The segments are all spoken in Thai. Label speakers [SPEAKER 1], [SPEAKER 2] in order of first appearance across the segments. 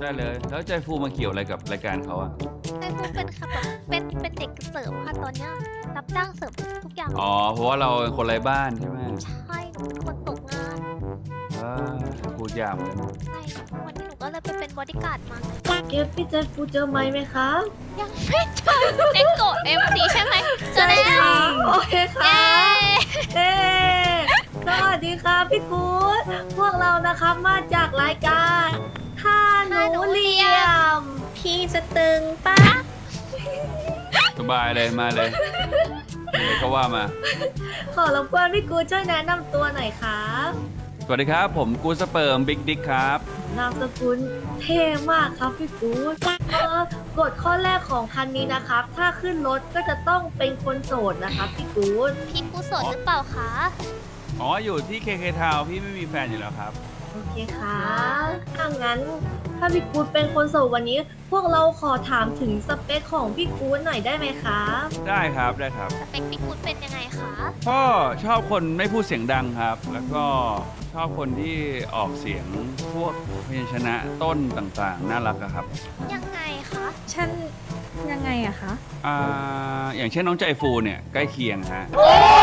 [SPEAKER 1] ได้เลยแล้วใจฟูมาเกี่ยวอะไรกับรายการเขาอะ
[SPEAKER 2] ใจฟูเป็นค่ะแบบเป็นเด็กเสิร์ฟค่ะตอนเนี้ยรับจ้างเสิร์ฟทุกอย่าง
[SPEAKER 1] อ๋อเพราะว่าเราเป็นคนไร้บ้านใช่ไหม
[SPEAKER 2] ใช่หนูเป็นคนตกงาน
[SPEAKER 1] พูดยากเหมือนกัน
[SPEAKER 2] ใช่วันนี้หนูก็เลยไปเป็นบอดี้การ์ดมา
[SPEAKER 3] เกฟพี่เจฟฟูเจอไหมไหมคะ
[SPEAKER 2] ยังไม่เจอเอ็กโกเอ็มซีใช่ไหมเจอแล้ว
[SPEAKER 3] โอเค
[SPEAKER 2] เย้
[SPEAKER 3] ค่ะเอ๊สวัสดีค่ะพี่กู๊ดพวกเรานะครับมาจากรายการท่าหนูเหลี่ยม
[SPEAKER 4] พี่จะตึงปะ
[SPEAKER 1] สบายเลยมาเลยอะไรก็ว่ามา
[SPEAKER 3] ขอรบกวนพี่กู๊ดช่วยแนะนำตัวหน่อยครับ
[SPEAKER 1] สวัสดีครับผมกูสเปิร์มบิ๊กดิ๊กครับ
[SPEAKER 3] นามสกุลเท่มากครับพี่กู๊ดกฎข้อแรกของคันนี้นะครับ ถ้าขึ้นรถก็จะต้องเป็นคนโสดนะครับพี่กู๊ด
[SPEAKER 2] พี่กูสดหรือเปล่าคะ
[SPEAKER 1] อ๋ออยู่ที่เคเคทาวพี่ไม่มีแฟนอยู่แล้วครับ
[SPEAKER 3] โอเคครับถ้างั้นถ้าพี่กู๊ดเป็นคนโสดวันนี้ พวกเราขอถามถึงสเปคของพี่กู๊ดหน่อยได้ไหมครับ
[SPEAKER 1] ได้ครับได้ครับ
[SPEAKER 2] สเปคพี่กูเป็นยังไงคะ
[SPEAKER 1] ก็ชอบคนไม่พูดเสียงดังครับ แล้วก็ชอบคนที่ออกเสียงพวกพยัญชนะต้นต่างๆ น่ารักอะครับ
[SPEAKER 2] ยังไงคะ
[SPEAKER 4] ฉันยังไงอะคะ
[SPEAKER 1] อย่างเช่นน้องใจฟูเนี่ยใกล้เคียงฮะ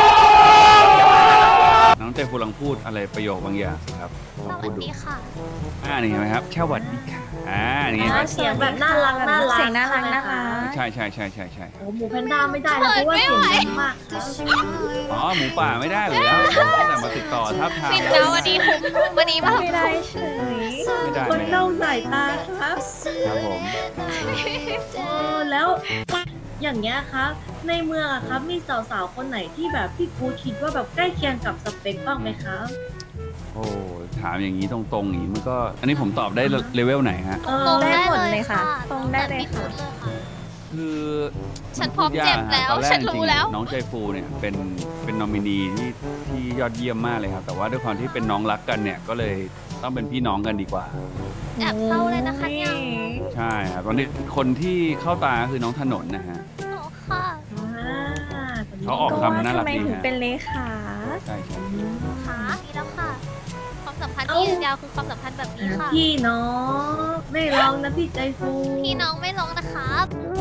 [SPEAKER 1] น้องใจฟูลองพูดอะไรประโยคบางอย่างสิครับล
[SPEAKER 2] ส
[SPEAKER 1] อง
[SPEAKER 2] วั
[SPEAKER 1] พู
[SPEAKER 2] ส
[SPEAKER 1] ดดู
[SPEAKER 2] ดีค่ะ
[SPEAKER 1] นี่เห็นไหมครับสวัสดีค่ะนี่
[SPEAKER 3] เสียงแบบน่ารักน่ารัก
[SPEAKER 4] เสียงน่ารักน่ารัก
[SPEAKER 1] ใช่
[SPEAKER 3] โอ้หมูแพนด้าไม่ได้นะเพราะว่าเสียงดังมากครับ
[SPEAKER 1] อ๋อหมูป่าไม่ได้เลยแล้วตั้งแต่มาติดต่อทับทาม
[SPEAKER 2] ปิดแล้ววันนี้คุ้มวันนี้ป่ะ
[SPEAKER 4] ไม่ได้เฉย
[SPEAKER 1] ไม่ได้
[SPEAKER 3] คน
[SPEAKER 1] ไม่ได้
[SPEAKER 3] เล่าสายตาครับ
[SPEAKER 1] ครับผม
[SPEAKER 3] แล้วอย่างเงี้ยครับ ในเมืองอะครับมีสาวๆคนไหนที่แบบพี่กูคิดว่าแบบใกล้เคียงกับสเปคบ้างไหมครับ
[SPEAKER 1] โอ้ถามอย่างนี้ตรงๆอย่างนี้มันก็อันนี้ผมตอบได้เลเวลไหนฮะ
[SPEAKER 2] ตรง
[SPEAKER 4] ได้
[SPEAKER 2] ได้
[SPEAKER 4] หมด
[SPEAKER 2] เล
[SPEAKER 4] เลย ย
[SPEAKER 2] ค่ะ
[SPEAKER 4] ค่ะ ตรงได้เลยค่ะ
[SPEAKER 2] เลยค่ะ
[SPEAKER 1] คือ
[SPEAKER 2] ฉันพร้อมเจ็บแล้ว
[SPEAKER 1] ตอนแร
[SPEAKER 2] ฉั
[SPEAKER 1] ก
[SPEAKER 2] น
[SPEAKER 1] จ
[SPEAKER 2] รู้
[SPEAKER 1] ริง
[SPEAKER 2] แล้ว
[SPEAKER 1] ๆน้องใจฟูเนี่ยเป็นนอมินีที่ยอดเยี่ยมมากเลยครับ แต่ว่าด้วยความที่เป็นน้องรักกันเนี่ยก็เลยต้องเป็นพี่น้องกันดีกว่า
[SPEAKER 2] แอบเศร้าเลยนะคะเนี่ย
[SPEAKER 1] ใช่ครับตอนนี้คนที่เข้าตาคือน้องถนนนะฮะ
[SPEAKER 2] โอ้ค่ะ
[SPEAKER 1] เขาออก คำน่ารัก
[SPEAKER 4] ทำไม
[SPEAKER 1] ดี
[SPEAKER 4] ถึง
[SPEAKER 1] ฮะ
[SPEAKER 4] เป็นเลขา
[SPEAKER 1] ใช่
[SPEAKER 2] ค่ะนี่แล้วค่ะ ความสัมพันธ์ที่ยืนยาวคือความสัมพันธ์แบบนี้ค่ะ
[SPEAKER 3] พี่น้องไม่ร้องนะพี่ใจฟู
[SPEAKER 2] พี่น้องไม่ลงนะครับ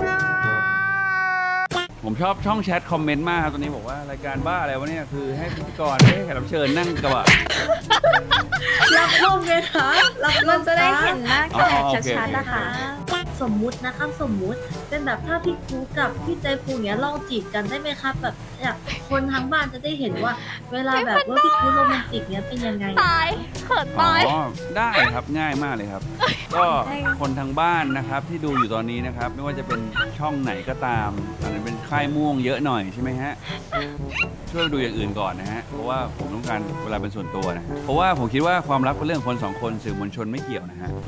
[SPEAKER 1] ผมชอบช่องแชทคอมเมนต์มากครับตอนนี้บอกว่ารายการบ้าอะไรวะเนี่ยคือให้พิธีกรให้แขกรับเชิญนั่งกระบะ
[SPEAKER 3] รับร่มเลยครับรับร่
[SPEAKER 4] มันจะได้
[SPEAKER 3] ครับ
[SPEAKER 4] เห็นหน้าแขก
[SPEAKER 1] โอเค
[SPEAKER 4] ชัดๆนะคะ
[SPEAKER 3] สมมุตินะครับสมมุติเป็นแบบถ้าพี่กูกับพี่ใจฟูเนี้ยลองจีบกันได้ไหมครับ แบบอยากคนทั้งบ้านจะได้เห็นว่า เวลาแบบว่าพี่กูโรแมนติกเนี้ยเป็นยังไง
[SPEAKER 2] ตายเขิน
[SPEAKER 1] อ๋อ
[SPEAKER 2] ตาย
[SPEAKER 1] ได้ครับง่ายมากเลยครับ ก็คนทางบ้านนะครับที่ดูอยู่ตอนนี้นะครับ ไม่ว่าจะเป็นช่องไหนก็ตามอาจจะเป็นค่ายม่วงเยอะหน่อยใช่ไหมฮะช่วยไปดูอย่างอื่นก่อนนะฮะเพราะว่าผมต้องการเวลาเป็นส่วนตัวนะฮะเพราะว่าผมคิดว่าความรักเป็นเรื่องคนสองคนสื่อมวลชนไม่เกี่ยวนะฮะ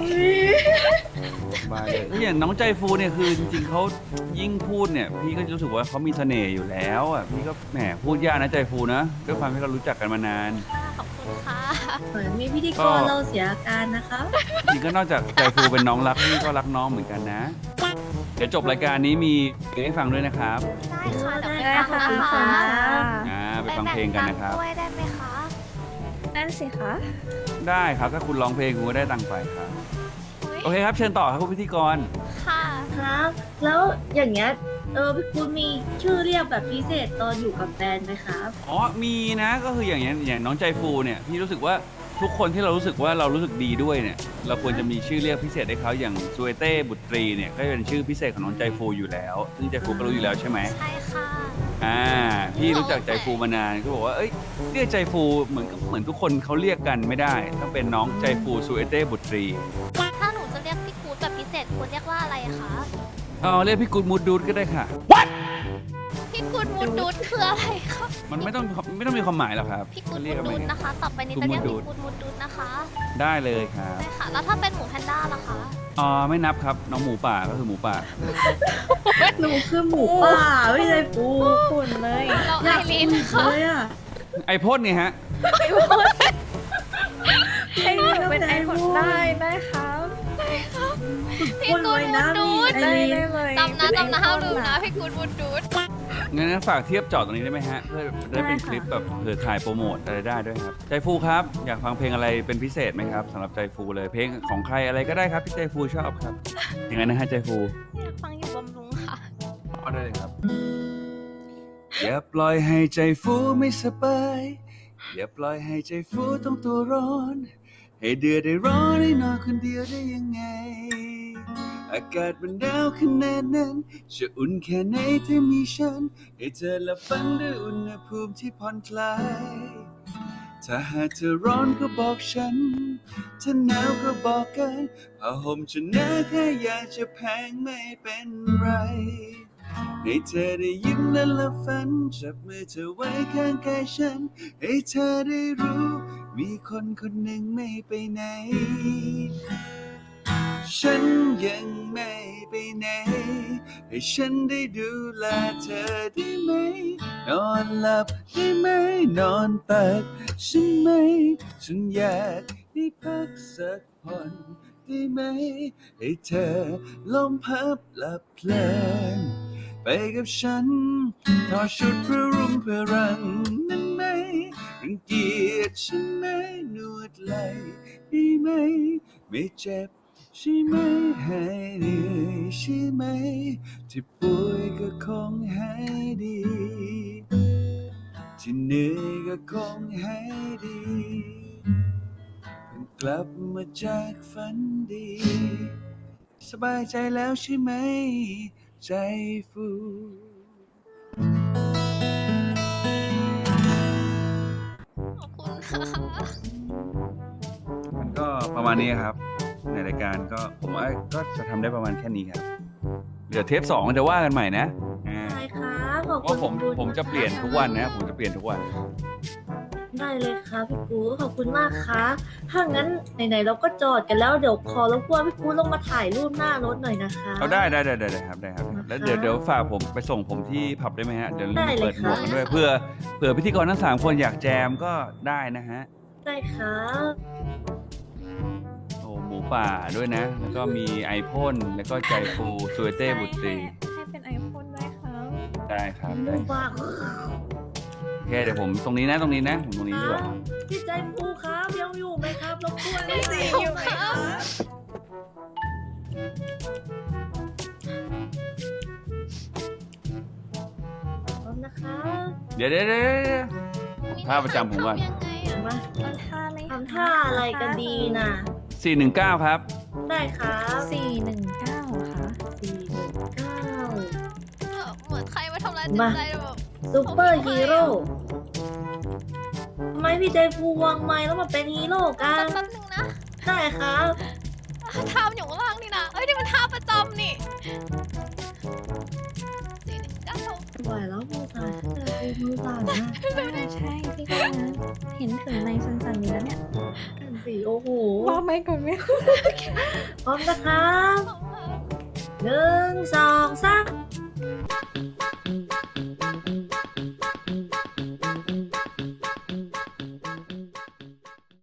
[SPEAKER 1] บายเลยอย่างน้องใจฟูเนี่ยคือจริงๆเขายิ่งพูดเนี่ยพี่ก็รู้สึกว่าเขามีเสน่ห์อยู่แล้วอ่ะพี่ก็แหมพูดยากนะใจฟูนะด้วยความที่เรารู้จักกันมานาน
[SPEAKER 2] ขอบคุณค่ะ
[SPEAKER 3] เหมือนมีพิธีกรเราเสียอาการนะครับ
[SPEAKER 1] จริงๆก็นอกจากใจฟูเป็นน้องรักพี่ก็รักน้องเหมือนกันนะ เดี๋ยวจบรายการนี้มีเพลงให้ฟังด้วยนะครับ
[SPEAKER 2] ได้ค่ะเดี๋ยว
[SPEAKER 4] ได้
[SPEAKER 2] ไป
[SPEAKER 4] ค่ะ
[SPEAKER 2] ฟัง
[SPEAKER 4] ขอบ
[SPEAKER 2] นะ
[SPEAKER 4] คุณ
[SPEAKER 2] คะ
[SPEAKER 4] ค่ะ
[SPEAKER 1] ไปฟังเพลงกันนะครับ
[SPEAKER 2] ไปแบ่งตังค์ด้วยได้ไหมคะ
[SPEAKER 4] นั่นสิคะ
[SPEAKER 1] ได้ครับถ้าคุณร้องเพลงคุณก็ได้ตังค์ไปครับ
[SPEAKER 2] อุ๊ย
[SPEAKER 1] โอเคครับเชิญต่อครับคุณพิธีกร
[SPEAKER 2] ค่ะ
[SPEAKER 3] ครับ แล้วอย่างเงี้ยพี่กูมีชื่อเรียกแบบพิเศษตอนอยู่กับแฟนไหมครับ
[SPEAKER 1] อ๋อมีนะก็คืออย่างเงี้ยอย่างน้องใจฟูเนี่ยพี่รู้สึกว่าทุกคนที่เรารู้สึกว่าเรารู้สึกดีด้วยเนี่ยเราควรจะมีชื่อเรียกพิเศษให้เขาอย่างซูเอเต้บุตรีเนี่ยก็เป็นชื่อพิเศษของน้องใจฟูอยู่แล้วซึ่งใจฟูก็รู้อยู่แล้วใช่ไหม
[SPEAKER 2] ใช่ค่ะ
[SPEAKER 1] พี่รู้จักใจฟูมานานก็บอกว่าเอ้ยเรียกใจฟูเหมือนทุกคนเขาเรียกกันไม่ได้ต้องเป็นน้องใจฟูซูเอเต้บุตรี
[SPEAKER 2] ถ้าหนูจะเรียกพี่กูดแบบพิเศษควรเรียกว่าอะไรคะ
[SPEAKER 1] เรียกพี่กูดมูดดูดก็ได้ค่ะ
[SPEAKER 2] พี่กูดมูดดูดคืออะไรคะ
[SPEAKER 1] มันไม่ต้องมีความหมายหรอกครับ
[SPEAKER 2] พี่กูด
[SPEAKER 1] เรี
[SPEAKER 2] มู
[SPEAKER 1] ยก
[SPEAKER 2] ด
[SPEAKER 1] กันไป
[SPEAKER 2] ดูด
[SPEAKER 1] งั้น
[SPEAKER 2] นะคะ ต่อไปนี้จะเรียก
[SPEAKER 1] กู
[SPEAKER 2] พี่
[SPEAKER 1] ดมูดดูด
[SPEAKER 2] กูดมูดดูดนะคะ
[SPEAKER 1] ได้เลยครับ
[SPEAKER 2] ใช่ค่ะ แล้วถ้าเป็นหมูแพนด้าล่ะคะ
[SPEAKER 1] ไม่นับครับน้องหมูป่าก็คือหมูป่า
[SPEAKER 3] หนูคือหมูป่าไม่ใช่ปู
[SPEAKER 4] ฝุ่นเลย
[SPEAKER 2] เราไอรีน
[SPEAKER 3] เล
[SPEAKER 2] ค่ะ
[SPEAKER 3] ยอ่ะ
[SPEAKER 1] ไอพ่นเนี่ยฮะ
[SPEAKER 4] ให้หนูเป็นไอคนได้ครับ
[SPEAKER 2] พี่
[SPEAKER 3] คน
[SPEAKER 2] กู
[SPEAKER 3] ไว้
[SPEAKER 2] ดมู
[SPEAKER 3] นะ
[SPEAKER 2] ดดู
[SPEAKER 3] มี
[SPEAKER 2] ด
[SPEAKER 3] ไอ
[SPEAKER 4] ได้
[SPEAKER 3] รีน
[SPEAKER 4] ได้เลย
[SPEAKER 2] จำนะห้ามลืมนะพี่กูดมูดดูด
[SPEAKER 1] งั้นฝากเทียบจอตรงนี้ได้ไหมฮะ เพื่อจะได้เป็นคลิปแบบเผื่อถ่ายโปรโมทอะไรได้ด้วยครับ ใจฟูครับ อยากฟังเพลงอะไรเป็นพิเศษไหมครับสำหรับใจฟูเลย เพลงของใครอะไรก็ได้ครับที่ใจฟูชอบครับยังไงนะฮะใจฟู
[SPEAKER 2] อยากฟังอยู่บำรุงค่ะ
[SPEAKER 1] ก็ได้เลยครับ อย่าปล่อยให้ใจฟูไม่สบาย อย่าปล่อยให้ใจฟูต้องตัวร้อน ให้เดือดได้ร้อนได้นอนคนเดียวได้ยังไง อากาศมันหนาวขนาดนั้นจะอุ่นแค่ไหนถ้ามีฉัน ให้เธอหลับฝันด้วยอุณหภูมิที่ผ่อนคลาย ถ้าหากเธอร้อนก็บอกฉัน ถ้าหนาวก็บอกกันผ้าห่มจะหนาแค่อยากจะแพงไม่เป็นไร ให้เธอได้ยิ้มและหลับฝันจับมือเธอไว้ข้างกายฉัน ให้เธอได้รู้ มีคนคนหนึ่งไม่ไปไหน ฉันยังไม่ไปไหน ให้ฉันได้ดูแลเธอได้ไหม นอนหลับได้ไหม นอนตักฉันไหม ฉันอยากได้พักสักผ่อนได้ไหม ให้เธอลมพับหลับเพลินไปกับฉันถอดชุดเพื่อรุมเพื่อรังนั้นไหม รังเกียจฉันไหม นวดไหล่ได้ไหม ไม่เจ็บใช่ไหม หายเหนื่อยใช่ไหม ที่ป่วยก็คงหายดี ที่เหนื่อยก็คงหายดีเพิ่งกลับมาจากฝันดี สบายใจแล้วใช่ไหม ใจฟู
[SPEAKER 2] ขอบคุณค่ะ
[SPEAKER 1] มันก็ประมาณนี้ครับ ในรายการก็ผมว่าก็จะทำได้ประมาณแค่นี้ครับ เหลือเทป2จะว่ากันใหม่นะอ่า
[SPEAKER 3] ใช่ครับขอบ
[SPEAKER 1] เพราะ
[SPEAKER 3] คุณพี่กู๊ด
[SPEAKER 1] ผมจะเปลี่ยนทุกวันนะ ผมจะเปลี่ยนทุกวัน
[SPEAKER 3] ได้เลยครับพี่กู๊ดขอบคุณมากครับถ้างั้นไหนๆเราก็จอดกันแล้วเดี๋ยวขอรบกวนพี่กู๊ดลงมาถ่ายรูปหน้ารถหน่อยนะคะ
[SPEAKER 1] เอาได้ครับได้ครับ แล้วเดี๋ยวฝากผมไปส่งผมที่ผับได้ไหมฮะ เดี๋ยว
[SPEAKER 3] ได้เลย
[SPEAKER 1] เปิดหมวกกันด้วย
[SPEAKER 2] ค่ะ
[SPEAKER 1] เผื่อพิธีกรทั้ง3คนอยากแจมก็ได้นะฮะ
[SPEAKER 3] ได้ครับ
[SPEAKER 1] โอ้หมูป่าด้วยนะ แล้วก็มีไอพ่นแล้วก็ใจฟูสวยเต้บุตรี
[SPEAKER 4] ให้เป็นไอโฟนด้วยครับ
[SPEAKER 1] ได้ครับ
[SPEAKER 3] มู
[SPEAKER 1] ได้
[SPEAKER 3] บ้า
[SPEAKER 1] โอเคเดี๋ยวผมตรงนี้นะผมตรงนี้ดีกว่า
[SPEAKER 3] พี่ใจฟูครับยังอยู่ไหมครับรบกวน
[SPEAKER 4] พี่สีอยู่ไหมคะ
[SPEAKER 3] พร้อมนะครับ
[SPEAKER 1] เดี๋ยวท่าประจำผมก่อน
[SPEAKER 2] ทำยังไงอะ
[SPEAKER 3] มา
[SPEAKER 4] ทำท่าไหมคะ
[SPEAKER 3] ทำท่าอะไรกันดีนะ
[SPEAKER 1] 419 ครับ
[SPEAKER 3] ได้ครับ
[SPEAKER 4] 419ค่ะ
[SPEAKER 3] 419
[SPEAKER 2] เหมือนใครมาทำร้ายจิตใจแบบ
[SPEAKER 3] ซูเปอร์ฮีโร่ทำไมพี่ใจฟูวางไม้แล้วมาเป็นฮีโร่กัน
[SPEAKER 2] แป๊บนึงนะ
[SPEAKER 3] ได้ครับ
[SPEAKER 2] ท่ามันอยู่ข้างล่างนี่นะ เอ้ยนี่มันท่าประจำนี่419
[SPEAKER 3] ไหวแล้วมือสั่นมือสั่นนะ
[SPEAKER 4] ใช่พี่ก็นะเห็นถึงในสันๆอยู่แล้วเนี่ย
[SPEAKER 3] นั่นสิโอ้โห
[SPEAKER 4] ว่าไม่ก่อนไหม
[SPEAKER 3] พร้อมนะครับ1 2